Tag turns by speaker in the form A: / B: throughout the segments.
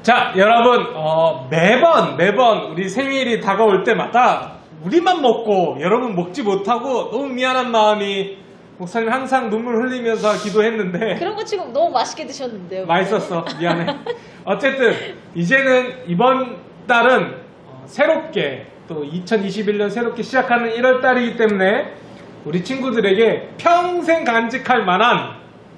A: 자, 여러분, 매번 우리 생일이 다가올 때마다 우리만 먹고 여러분 먹지 못하고 너무 미안한 마음이 목사님 항상 눈물 흘리면서 기도했는데
B: 그런 거 치고 너무 맛있게 드셨는데요.
A: 맛있었어. 미안해. 어쨌든 이제는 이번 달은 새롭게 또 2021년 새롭게 시작하는 1월 달이기 때문에 우리 친구들에게 평생 간직할 만한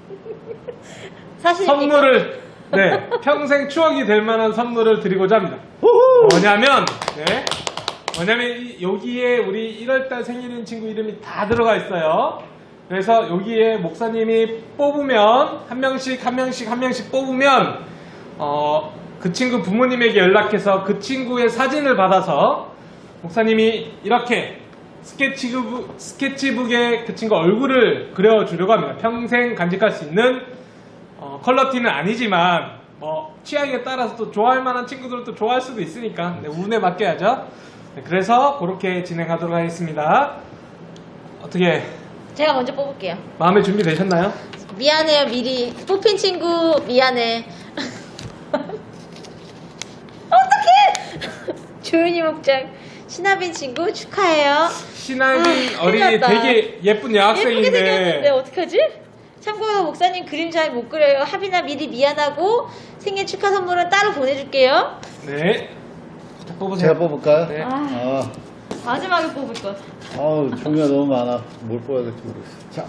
B: 사실
A: 선물을 평생 추억이 될 만한 선물을 드리고자 합니다. 뭐냐면 여기에 우리 1월달 생일인 친구 이름이 다 들어가 있어요. 그래서 여기에 목사님이 뽑으면 한 명씩 뽑으면 그 친구 부모님에게 연락해서 그 친구의 사진을 받아서 목사님이 이렇게 스케치북에 그 친구 얼굴을 그려주려고 합니다. 평생 간직할 수 있는 컬러티는 아니지만 취향에 따라서 또 좋아할 만한 친구들은 또 좋아할 수도 있으니까 운에 맡겨야죠. 그래서 그렇게 진행하도록 하겠습니다. 어떻게
B: 제가 먼저 뽑을게요.
A: 마음의 준비 되셨나요?
B: 미안해요, 미리 뽑힌 친구 미안해. 어떡해! 조윤희 목장 신하빈 친구 축하해요.
A: 신하빈 어린이
B: 큰일 났다.
A: 되게 예쁜
B: 예쁘게
A: 여학생인데
B: 생겼는데 어떡하지? 참고로 목사님 그림 잘 못 그려요. 하빈아 미리 미안하고 생일 축하 선물은 따로 보내줄게요.
A: 네. 자, 뽑으세요.
C: 제가 뽑을까요?
A: 네.
B: 마지막에 뽑을 것.
C: 아우 종류가 너무 많아. 뭘 뽑아야 될지 모르겠어. 자,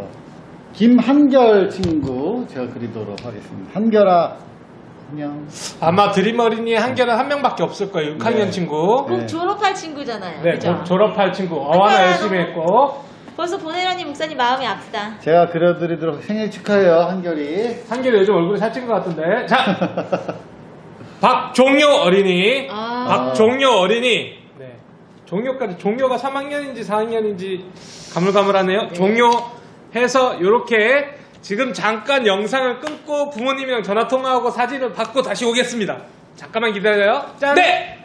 C: 김한결 친구 제가 그리도록 하겠습니다. 한결아, 안녕.
A: 아마 드림 어린이 한결은 한 명밖에 없을 거예요. 6학년
C: 네.
A: 친구.
B: 곧
C: 네.
B: 졸업할 친구잖아요.
A: 네,
B: 그죠?
A: 졸업할 친구. 어와나 열심히 했고.
B: 벌써 보내라니 목사님 마음이 아프다.
C: 제가 그려드리도록 생일 축하해요, 한결이.
A: 한결이 요즘 얼굴이 살찐 것 같은데. 자, 박종효 어린이. 박종효 어린이. 네. 종효가 3학년인지 4학년인지 가물가물하네요. 종효 해서 요렇게 지금 잠깐 영상을 끊고 부모님이랑 전화 통화하고 사진을 받고 다시 오겠습니다. 잠깐만 기다려요. 짠. 네.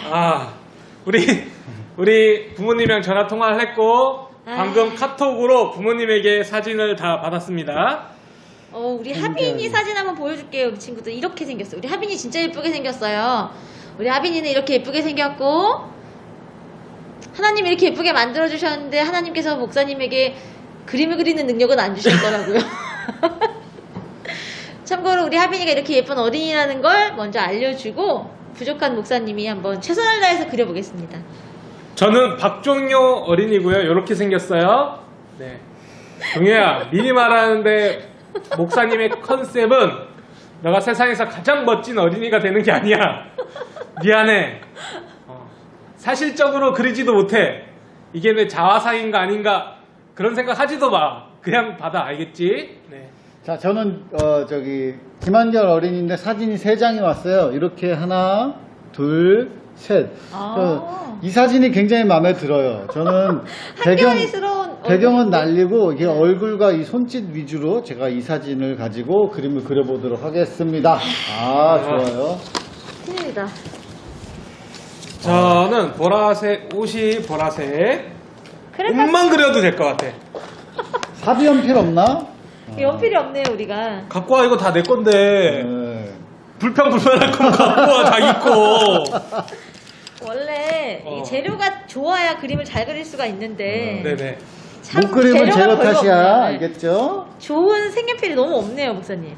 A: 우리 부모님이랑 전화 통화를 했고 방금 카톡으로 부모님에게 사진을 다 받았습니다.
B: 우리 하빈이 사진 한번 보여줄게요. 우리 친구들 이렇게 생겼어요. 우리 하빈이 진짜 예쁘게 생겼어요. 우리 하빈이는 이렇게 예쁘게 생겼고 하나님 이렇게 예쁘게 만들어 주셨는데 하나님께서 목사님에게 그림을 그리는 능력은 안 주셨더라고요. 참고로 우리 하빈이가 이렇게 예쁜 어린이라는 걸 먼저 알려주고 부족한 목사님이 한번 최선을 다해서 그려보겠습니다.
A: 저는 박종효 어린이고요. 이렇게 생겼어요. 네. 종효야, 미리 말하는데 목사님의 컨셉은 너가 세상에서 가장 멋진 어린이가 되는 게 아니야. 미안해. 사실적으로 그리지도 못해. 이게 내 자화상인가 아닌가 그런 생각 하지도 마. 그냥 받아. 알겠지? 네.
C: 자, 저는 김한결 어린이인데 사진이 3장이 왔어요. 이렇게 하나, 둘, 셋. 이 사진이 굉장히 마음에 들어요. 저는 배경은 날리고 이게 저울과 이 손짓 위주로 제가 이 사진을 가지고 그림을 그려보도록 하겠습니다. 좋아요.
B: 큰일이다.
A: 저는 보라색, 옷이 보라색. 옷만 그려도 될 것 같아.
C: 사비 연필 없나?
B: 연필이 없네요, 우리가.
A: 갖고 와, 이거 다 내 건데.
C: 네.
A: 불평불만할 거면 갖고 와, 자기 거.
B: 원래 이 재료가 좋아야 그림을 잘 그릴 수가 있는데
A: 네네.
B: 참
C: 못 그리면
B: 재료가
C: 재료
B: 별로
C: 탓이야.
B: 없네.
C: 알겠죠?
B: 좋은 색연필이 너무 없네요, 목사님.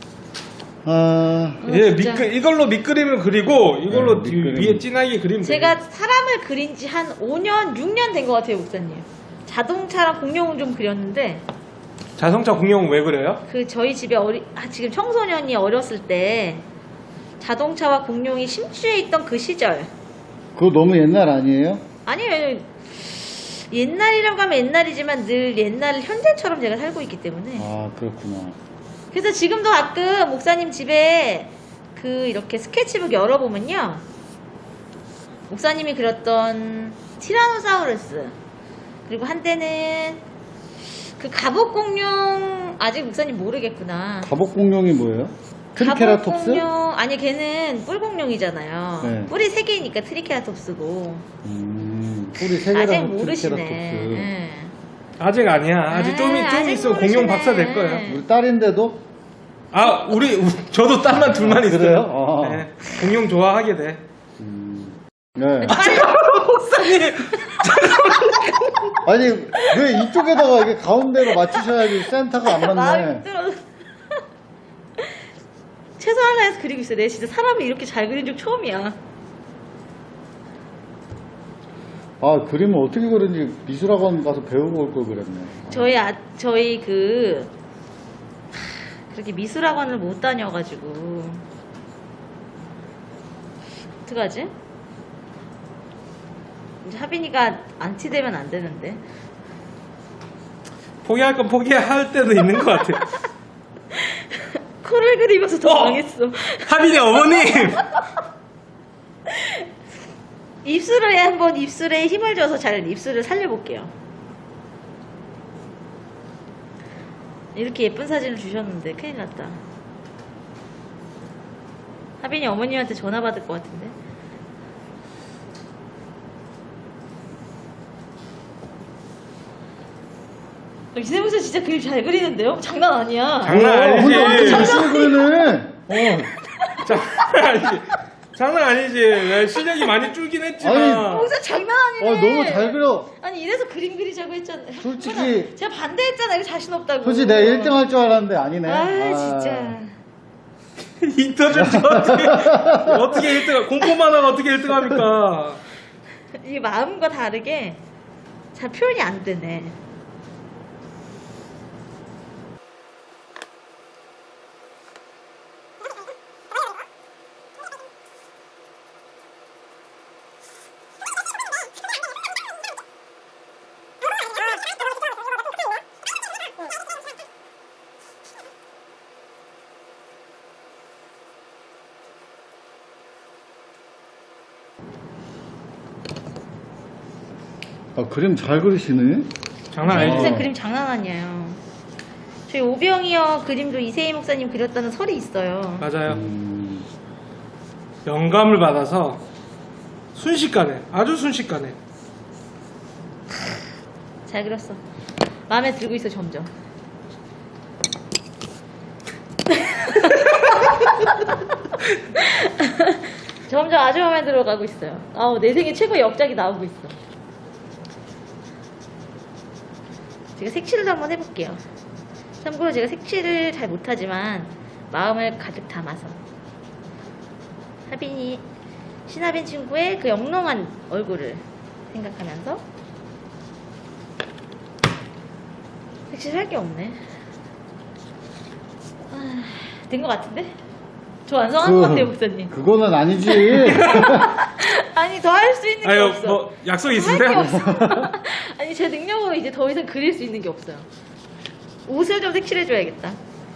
A: 예,
B: 진짜.
A: 이걸로 밑그림을 그리고 이걸로
C: 네, 밑그림.
A: 위에 진하게 그리면
B: 제가
A: 돼요.
B: 사람을 그린 지 한 5년, 6년 된 것 같아요, 목사님. 자동차랑 공룡을 좀 그렸는데
A: 자동차 공룡은 왜 그래요?
B: 저희 집에 지금 청소년이 어렸을 때 자동차와 공룡이 심취해 있던 그 시절.
C: 그거 너무 옛날 아니에요?
B: 아니에요. 옛날이라고 하면 옛날이지만 늘 옛날 현재처럼 제가 살고 있기 때문에.
C: 그렇구나.
B: 그래서 지금도 가끔 목사님 집에 이렇게 스케치북 열어보면요. 목사님이 그렸던 티라노사우루스. 그리고 한때는 갑옷공룡 아직 목사님 모르겠구나.
C: 갑옷공룡이 뭐예요? 트리케라톱스?
B: 갑옷공룡 아니 걔는 뿔공룡이잖아요.
C: 네.
B: 뿔이 3개니까 트리케라톱스고.
C: 뿌리 3개라서
B: 아직 모르시네.
C: 트리케라톱스.
B: 네.
A: 아직 아니야. 아직 좀
B: 아직
A: 있으면 공룡 박사 될 거예요.
C: 우리 딸인데도?
A: 저도 딸만 둘만 있어요.
C: 그래요?
A: 네. 돼. 공룡 좋아하게 돼.
C: 네.
A: 목사님!
C: 아니 왜 이쪽에다가 이게 가운데로 맞추셔야지 센터가 안
B: 마음이
C: 맞네.
B: 힘들어. 최선을 다해서 그리고 있어요. 내가 진짜 사람을 이렇게 잘 그린 적 처음이야.
C: 아 그림을 어떻게 그런지 미술학원 가서 배우고 올 걸 그랬네.
B: 저희 그렇게 미술학원을 못 다녀가지고 어떡하지? 이제 하빈이가 안티되면 안 되는데.
A: 포기할 건 포기할 때도 있는 것 같아.
B: 코를 그리면서 더 망했어.
A: 하빈이 어머님!
B: 입술에 힘을 줘서 잘 입술을 살려볼게요. 이렇게 예쁜 사진을 주셨는데 큰일 났다. 하빈이 어머님한테 전화 받을 것 같은데. 이세무새 진짜 그림 잘 그리는데요? 장난 아니야.
A: 장난 아니지.
C: 근데 엄청 열심히 그리네.
A: 장난 아니지. 장난 아니지. 왜 실력이 많이 줄긴 했지만.
C: 아니,
B: 진짜 장난 아니네.
C: 너무 잘 그려.
B: 아니 이래서 그림 그리자고 했잖아요.
C: 솔직히-
B: 제가 반대했잖아요. 자신 없다고.
C: 솔직히 내가 1등 할 줄 알았는데 아니네.
B: 아 진짜.
A: 인터넷 어떻게 1등, 공포만 하고 어떻게 1등 합니까?
B: 이 마음과 다르게 잘 표현이 안 되네.
C: 그림 잘 그리시네.
A: 장난
B: 이세희
A: 아니지.
B: 목사 그림 장난 아니에요. 저희 오병이어 그림도 이세희 목사님 그렸다는 설이 있어요.
A: 맞아요.
C: 음,
A: 영감을 받아서 순식간에, 아주 순식간에.
B: 잘 그렸어. 마음에 들고 있어 점점. 점점 아주 마음에 들어가고 있어요. 내 생애 최고의 역작이 나오고 있어. 제가 색칠을 한번 해볼게요. 참고로 제가 색칠을 잘 못하지만 마음을 가득 담아서 신하빈 친구의 그 영롱한 얼굴을 생각하면서 색칠할 게 없네. 된 것 같은데? 저 완성한 것 같아요, 목사님.
C: 그거는 아니지.
B: 아니, 더 할 수 있는 게
A: 아유,
B: 없어.
A: 뭐, 약속
B: 할 게
A: 있으세요?
B: 없어. 아니, 제 능력으로 이제 더 이상 그릴 수 있는 게 없어요. 옷을 좀 색칠해줘야겠다.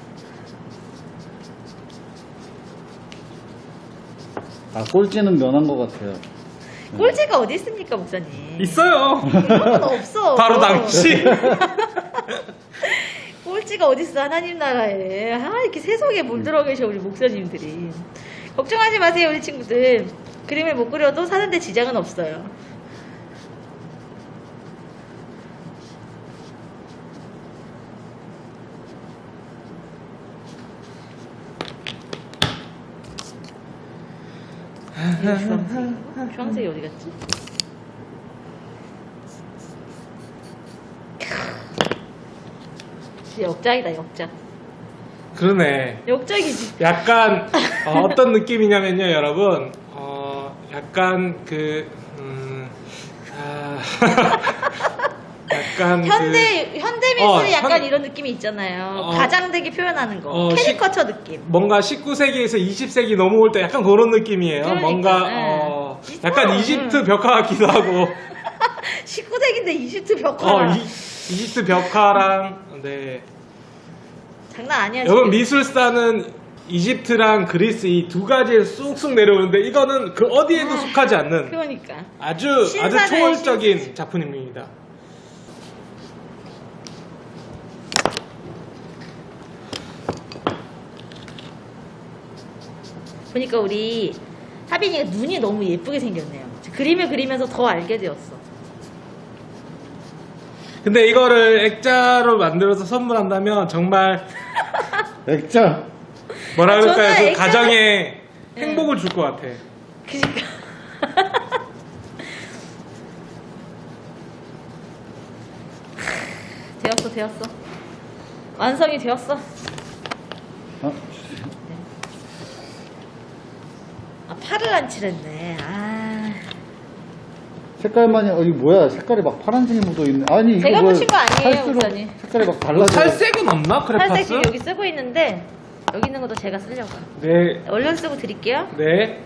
C: 꼴찌는 면한 것 같아요.
B: 꼴찌가 어디 있습니까, 목사님?
A: 있어요.
B: 그런 건 없어.
A: 바로 당신.
B: 꼴찌가 어딨어, 하나님 나라에. 이렇게 세속에 물들어 계셔, 우리 목사님들이. 걱정하지 마세요, 우리 친구들. 그림을 못 그려도 사는데 지장은 없어요. 이거 주황색. 주황색이 어디 갔지? 진짜 역작이다, 역작.
A: 그러네.
B: 역작이지.
A: 약간, 어떤 느낌이냐면요, 여러분. 약간 약간
B: 현대 미술이 약간
A: 현-
B: 이런 느낌이 있잖아요. 가장되게 표현하는 거.
A: 어,
B: 캐리커처 느낌.
A: 뭔가 19세기에서 20세기 넘어올 때 약간 그런 느낌이에요.
B: 그러니까,
A: 뭔가
B: 네.
A: 약간 이집트 벽화 같기도 하고
B: 19세기인데 이집트 벽화.
A: 이집트 벽화랑 네.
B: 장난 아니야.
A: 여러분
B: 지금.
A: 미술사는 이집트랑 그리스 이 두 가지에 쑥쑥 내려오는데 이거는 그 어디에도 속하지 않는
B: 그러니까.
A: 아주
B: 신사네,
A: 초월적인 작품입니다.
B: 보니까 우리 하빈이가 눈이 너무 예쁘게 생겼네요. 그림을 그리면서 더 알게 되었어.
A: 근데 이거를 액자로 만들어서 선물한다면 정말
C: 액자.
A: 뭐라 그럴까요?
B: 저는
A: 그 가정의 행복을 줄 것 같아.
B: 그러니까. 되었어. 완성이 되었어.
C: 어?
B: 아, 팔을 안 칠했네. 아.
C: 색깔만이 이거 뭐야? 색깔이 막 파란색이 묻어 있네. 아니 이거
B: 제가
C: 뭐
B: 붙인 거 아니에요,
C: 살수록
B: 목사님.
C: 색깔이 막 달라져.
A: 살색은 없나? 크레파스?
B: 살색 지금 여기 쓰고 있는데 여기 있는 것도 제가 쓰려고요.
A: 네.
B: 얼른 쓰고 드릴게요.
A: 네.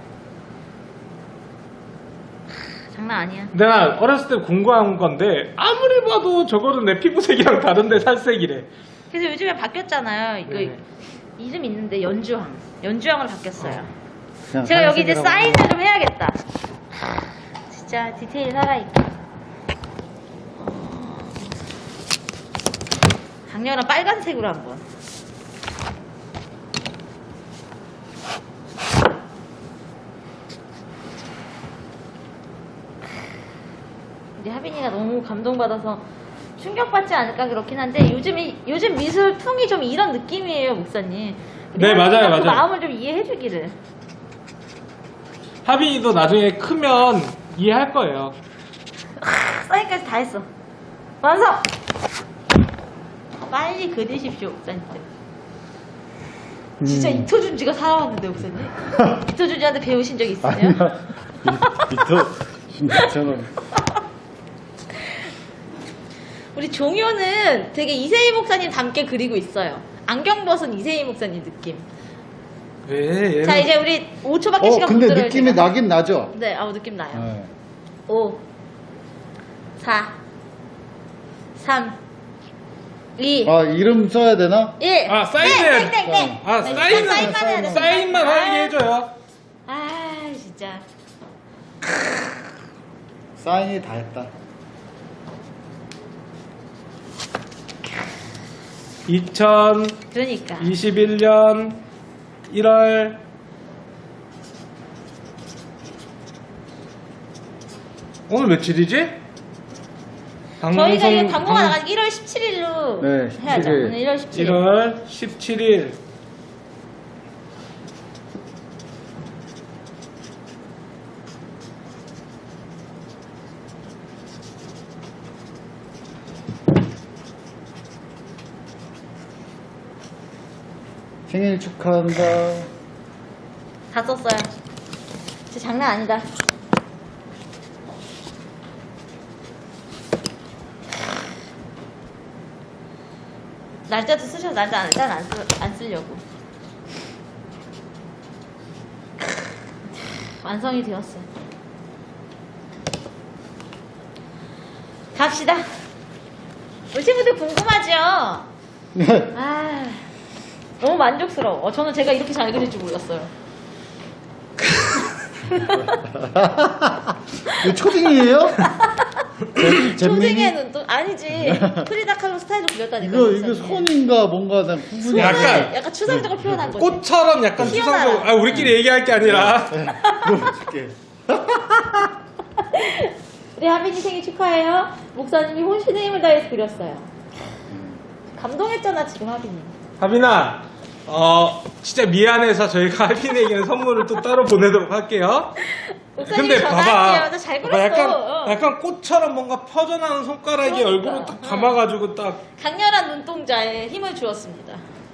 B: 장난 아니야.
A: 내가 어렸을 때 궁금한 건데 아무리 봐도 저거는 내 피부색이랑 다른데 살색이래.
B: 그래서 요즘에 바뀌었잖아요. 이거
A: 네.
B: 이름 있는데 연주항으로 바뀌었어요.
C: 그냥
B: 제가 여기 이제
C: 하얀색이라고.
B: 사인을 좀 해야겠다. 진짜 디테일 살아있게. 강렬한 빨간색으로 한번. 우리 하빈이가 너무 감동받아서 충격받지 않을까 그렇긴 한데 요즘 미술 풍이 좀 이런 느낌이에요, 목사님.
A: 네, 맞아요,
B: 그
A: 맞아요.
B: 마음을 좀 이해해주기를.
A: 하빈이도 나중에 크면 이해할 거예요.
B: 사인까지 다 했어. 완성! 빨리 그리십시오, 목사님. 진짜 이토준지가 살아왔는데, 목사님. 이토준지한테 배우신 적 있으세요?
C: 아니야. 이토 진짜처럼.
B: 우리 종효는 되게 이세희 목사님 닮게 그리고 있어요. 안경 벗은 이세희 목사님 느낌.
A: 왜?
B: 자, 이제 우리 5초밖에 시간 못
C: 근데
B: 들어요.
C: 느낌이
B: 제가.
C: 나긴 나죠.
B: 네, 느낌 나요.
C: 네.
B: 5, 4, 3, 2,
C: 아 이름 써야 되나?
B: 1.
A: 아, 사인을.
B: 땡.
A: 아,
B: 사인만 해야 돼.
A: 사인만 하게 해줘요.
B: 아, 진짜.
C: 사인이 다 했다.
B: 그러니까.
A: 2021년 1월 오늘 며칠이지?
B: 저희가 이거 방송가 나가지 1월 17일로
C: 네,
B: 해야죠.
C: 17일.
B: 오늘 1월 17일.
A: 1월 17일.
C: 생일 축하한다.
B: 다 썼어요. 진짜 장난 아니다. 날짜도 쓰셔서 날짜는 안 쓰려고. 완성이 되었어요. 갑시다. 우리 친구들 궁금하죠?
C: 네.
B: 아, 너무 만족스러워. 저는 제가 이렇게 잘 그릴 줄 몰랐어요.
C: 이거 초딩이에요?
B: 초딩의 눈도 아니지. 프리다 칼로 스타일로 그렸다니까.
C: 이거 손인가 뭔가 난 구분이 안 돼.
A: 약간
B: 추상적으로 표현한 거지.
A: 꽃처럼 약간
B: 튀어나와.
A: 추상적으로. 아, 우리끼리 얘기할 게 아니라.
C: 보여줄게.
B: 우리 하빈이 생일 축하해요. 목사님이 혼신의 힘을 다해서 그렸어요. 감동했잖아 지금 하빈이.
A: 하빈아, 진짜 미안해서 저희가 하빈에게는 선물을 또 따로 보내도록 할게요.
B: 목사님이
A: 근데
B: 전화할게요.
A: 봐봐,
B: 나 잘
A: 봐봐,
B: 그렸어.
A: 약간 꽃처럼 뭔가 퍼져나오는 손가락이
B: 그러니까.
A: 얼굴을 딱 감아가지고 딱
B: 강렬한 눈동자에 힘을 주었습니다.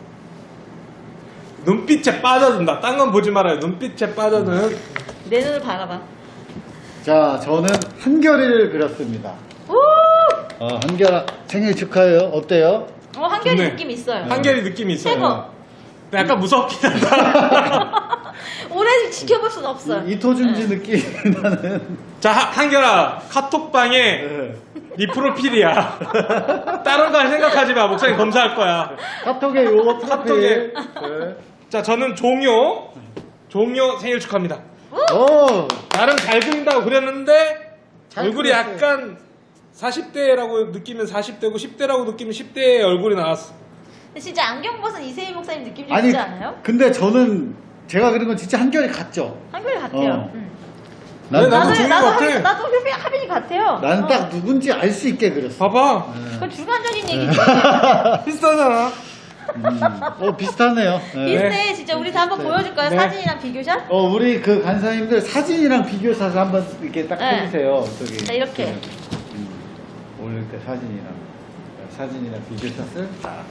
A: 눈빛에 빠져든다. 딴 건 보지 말아요. 눈빛에 빠져든.
B: 내 눈을 바라봐.
C: 자, 저는 한결이를 그렸습니다.
B: 오!
C: 한결아 생일 축하해요. 어때요?
B: 한결이
A: 좋네.
B: 느낌 있어요.
A: 한결이 느낌이 있어요.
B: 최고.
A: 근데 약간 무섭긴 한다.
B: 오래 지켜볼 순 없어요.
C: 이토준지 느낌 나는.
A: 자, 한결아, 카톡방에
C: 네.
A: 네 프로필이야. 다른 거 생각하지 마. 목사님 검사할 거야.
C: 카톡에 요거
A: 카톡에.
C: 프로필. 네.
A: 자, 저는 종효 생일 축하합니다.
C: 오,
A: 나름 잘 그린다고 그렸는데
C: 잘
A: 얼굴이
C: 그렸어요.
A: 약간 40대라고 느끼면 40대고 10대라고 느끼면 10대의 얼굴이 나왔어.
B: 근데 진짜 안경 벗은 이세희 목사님 느낌 좀
C: 아니,
B: 있지 않아요?
C: 근데 저는 제가 그린 건 진짜 한결이 같죠.
B: 한결이 같아요.
C: 어.
B: 응.
A: 네, 나도 종이 같아.
B: 나도 하빈이 같아요.
C: 나는
B: 어.
C: 딱 누군지 알 수 있게 그렸어.
A: 봐봐.
B: 그건 주관적인 얘기지.
A: 비슷하잖아.
C: 비슷하네요. 네.
B: 비슷해. 진짜 우리 다 한번
C: 비슷해요.
B: 보여줄 거예요.
A: 네.
B: 사진이랑 비교샷?
C: 우리 그 간사님들 사진이랑 비교해서 한번 이렇게 딱
B: 네.
C: 해주세요. 저기.
B: 자, 이렇게.
C: 네. 올릴 때 사진이랑 비교샷을 딱.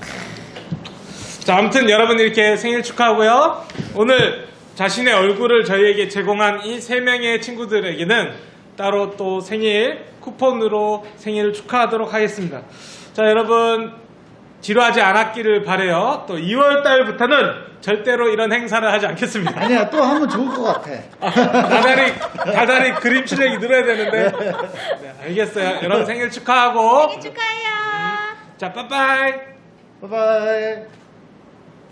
A: 자, 아무튼 여러분 이렇게 생일 축하하고요. 오늘 자신의 얼굴을 저희에게 제공한 이 3명의 친구들에게는 따로 또 생일 쿠폰으로 생일을 축하하도록 하겠습니다. 자, 여러분 지루하지 않았기를 바래요. 또 2월 달부터는 절대로 이런 행사를 하지 않겠습니다.
C: 아니야, 또 하면 좋을 것 같아.
A: 다달이 그림 실력이 늘어야 되는데. 네, 알겠어요. 여러분 생일 축하하고.
B: 생일 축하해요.
A: 자, 빠빠이.
C: 바이바이.